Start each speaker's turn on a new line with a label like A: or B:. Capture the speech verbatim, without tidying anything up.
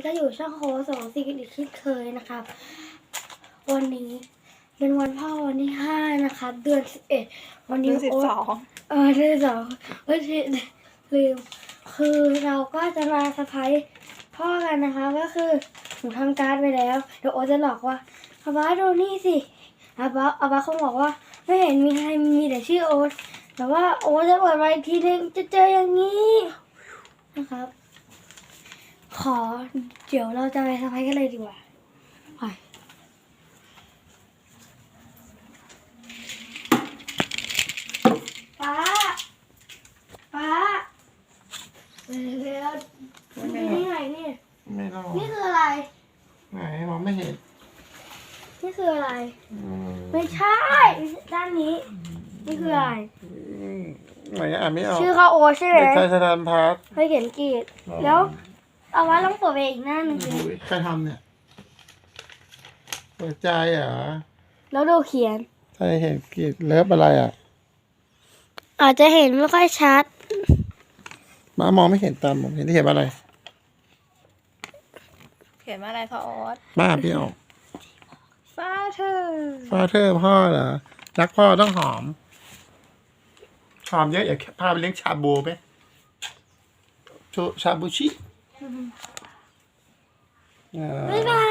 A: ก็อยู่ช่องโฮสองสี่กันอีกเช่นเคยนะครับวันนี้เป็นวันพ่อวันที่ห้านะครับเดือนสิบเอ็ดวันนี้
B: เดือนสิบสอง
A: เออเดือนสองเออลืมคือเราก็จะมาเซอร์ไพรส์พ่อกันนะคะก็คือหนูทำการ์ดไปแล้วเดี๋ยวโอตจะหลอกว่าอาบ้าดูนี่สิอาบ้าอาบ้าเขาบอกว่าไม่เห็นมีใครมีแต่ชื่อโอ๊ตแต่ว่าโอ๊ตจะเปิดมาอีกทีนึงจะเจออย่างนี้นะครับขอเดี๋ยวเราจะไปเซอร์ไพรส์กันเลยดีกว่าไปป้าป้าเร็วๆนี่ที่ไหนนี่
C: ไม่รอด
A: นี่คืออะไร
C: ไหนมองไม่เห็น
A: นี่คืออะไร
C: อืม
A: ไม่ใช่ด้านนี้นี่คืออะไร
C: ไหนอ่านไม่ออก
A: ชื่อเขาโอใช่ไหม
C: เด็กชายสถานพัฒน์
A: เคยเขียนกรีดแล้วเอาไว้ต้องเปิดไปอีกหน้าหนึ่งสิ
C: โอ้ยใครทำเนี่ยเปิดใจเหรอ
A: แล้วดูเขียน
C: ใครเห็นกรีดเลิฟอะไรอ่ะ
A: อาจจะเห็นไม่ค่อยชัด
C: มามองไม่เห็นตามผมเห็นที่เห็นว่าอะไร
B: เขียนว่าอะไรคะโอ๊ต
C: บ้าพี่ออก
B: ฟาเธอ
C: ฟาเธอร์พ่อเหรอรักพ่อต้องหอมหอมเยอะอย่าพาไปเลี้ยงชาบูไหมชาชาบูชิเออ
A: บ๊ายบา